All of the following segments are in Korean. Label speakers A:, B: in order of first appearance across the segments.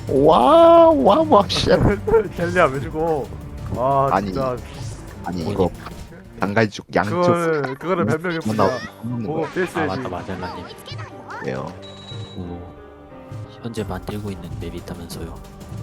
A: 와, 씨.
B: 젤리야 왜 죽어? 아
A: 아니,
B: 진짜
A: 아니, 이거, 단갈죽, 양쪽.
B: 그거를 변명해 보자. 보고
C: 아
B: 필수해야지.
C: 맞다 마젤라님.
A: 왜요?
C: 현재 만들고 있는 맵이 있다면서요.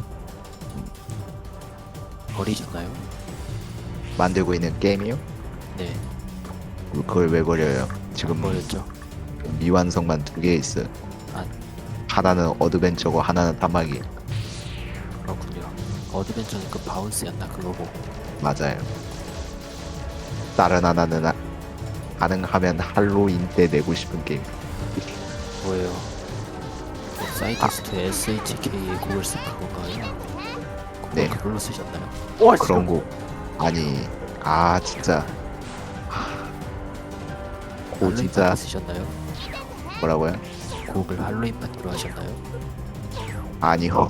C: 버리셨나요?
A: 만들고 있는 게임이요?
C: 네
A: 그걸 왜 버려요? 지금
C: 버렸죠.
A: 미완성만 2개 있어요.
C: 아
A: 하나는 어드벤처고, 하나는 단말기.
C: 그렇군요. 어드벤처는 그 바운스였나 그거고.
A: 맞아요. 다른 하나는 가능하면 할로윈 때 내고 싶은 게임.
C: 뭐예요? 사이트스트 SHK의 곡을 쓴 그건가요? 그걸
A: 네.
C: 그걸로 쓰셨나요?
B: 와
A: 그런 거. 아니, 진짜. 고
C: 할로윈
A: 진짜
C: 파티 쓰셨나요?
A: 뭐라고요?
C: 곡을 할로윈 파티로 하셨나요?
A: 아니요.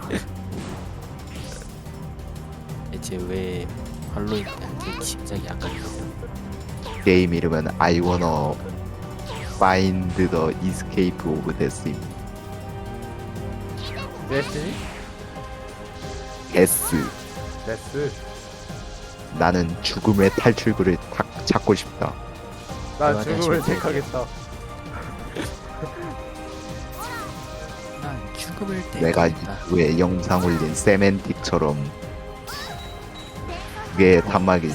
C: 대체 왜 할로윈 파티 심장이 안 가요?
A: 게임 이름은 I wanna find the escape of death.
B: 데스티니?
A: S.
B: 데스.
A: 나는 죽음의 탈출구를 찾고 싶다.
B: 난
C: 대화를
B: 죽음을
C: 하시면
B: 택하겠다.
C: 난 죽음을
A: 내가
C: 택하겠다.
A: 왜 영상 올린 세멘틱처럼 그게 단막이.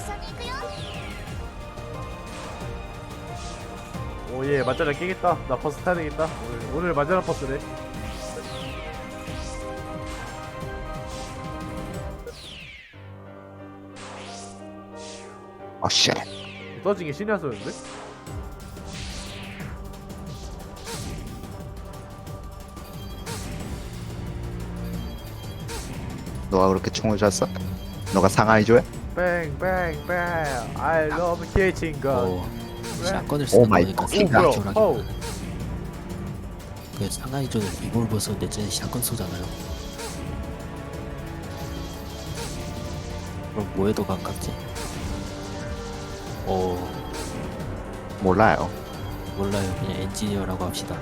B: 오예 맞잖아 깨겠다. 나 버스 타야 되겠다. 오늘 맞잖아 버스래.
A: 쉣.
B: 떠진 게 신의 한 소리인데?
A: 너가 그렇게 총을 쐈어? 너가 상하이줘야?
B: 뱅뱅뱅 I love catching gun.
C: 샷건을
A: 오
C: 쓰는
A: 마이
C: 거니까
A: 갓.
B: 뭐야?
C: 상하이존하기보다는 그 상하이존은 리볼버 쏘는데 쟤는 샷건 쏘잖아요. 그럼 뭐에 더 가깝지?
A: 몰라요.
C: 몰라요. 그냥 엔지니어라고 합시다.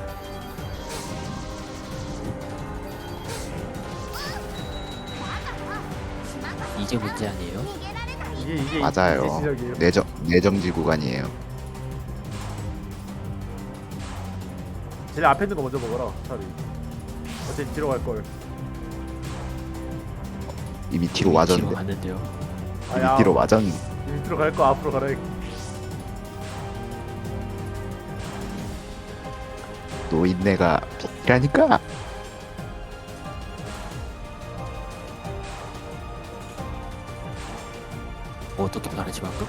C: 이게 문제 아니에요?
B: 이게
A: 맞아요.
B: 이게 지적이에요.
A: 내정지 구간이에요.
B: 제일 앞에 있는 거 먼저 먹어라. 차라리. 어차피 뒤로 갈 걸.
A: 이미 뒤로 와졌는데.
C: 뒤로 갔는데요.
A: 이미 뒤로 와졌는데.
B: 이미 뒤로 갈 거 앞으로 가라.
A: 노인네가 비키라니까.
C: 어떻게 말하지 방금?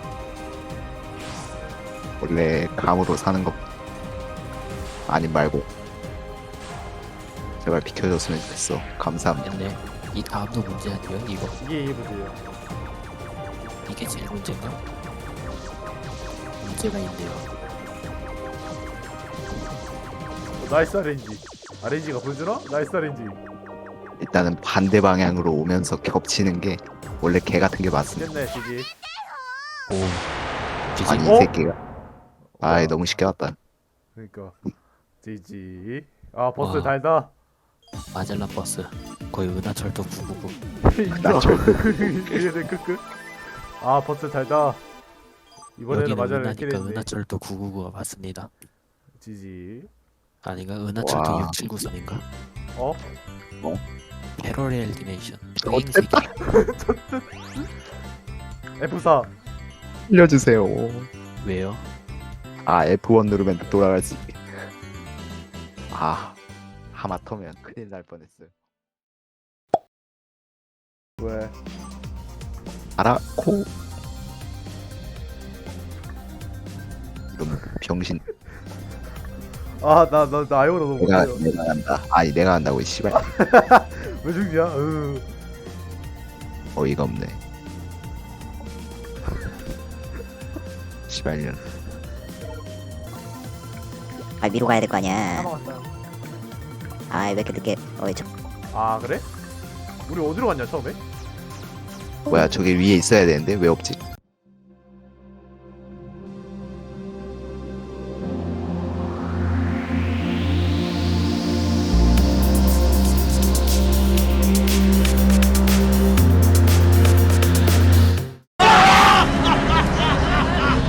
A: 원래 감으로 사는 거 아님 말고 제발 비켜줬으면 좋겠어. 감사합니다.
C: 근데 이 다음도 문제 아니에요?
B: 이게 문제예요.
C: 이게 제일 문제인가? 문제가 있네요.
B: 나이스 RNG. RNG가 보여주나? 나이스 RNG.
A: 일단은 반대 방향으로 오면서 겹치는 게 원래 개 같은 게 맞습니다.
B: 됐네 지지.
C: 오. 지지.
A: 아니
B: 어?
A: 이 새끼가. 아이 너무 쉽게 왔다.
B: 그러니까 지지. 아 버스
C: 와.
B: 달다.
C: 마젤란 버스 거의 은하철도 999.
B: 이게 크크. 아 버스 달다. 이번에는
C: 여기는
B: 맞아를
C: 은하니까
B: 캐냈네.
C: 은하철도 999가 맞습니다.
B: 지지.
C: 아닌가? 은하철도
A: 와.
C: 679선인가?
B: 어?
C: 패러렐 디멘션.
A: 어쨌다.
B: F4.
A: 알려주세요.
C: 왜요?
A: F1 누르면 돌아갈 수 있게. 하마터면 큰일 날 뻔했어요.
B: 왜?
A: 알아코. 이런 병신.
B: 나 아이오로 너무
A: 내가
B: 못해요.
A: 내가 한다. 내가 한다고 이 씨발.
B: 왜 죽냐?
A: 어이가 없네. 씨발년.
D: 위로 가야 될 거 아니야.
B: 까먹었어요.
D: 왜 이렇게 늦게.
B: 아 그래? 우리 어디로 갔냐 처음에?
A: 뭐야 저기 위에 있어야 되는데 왜 없지?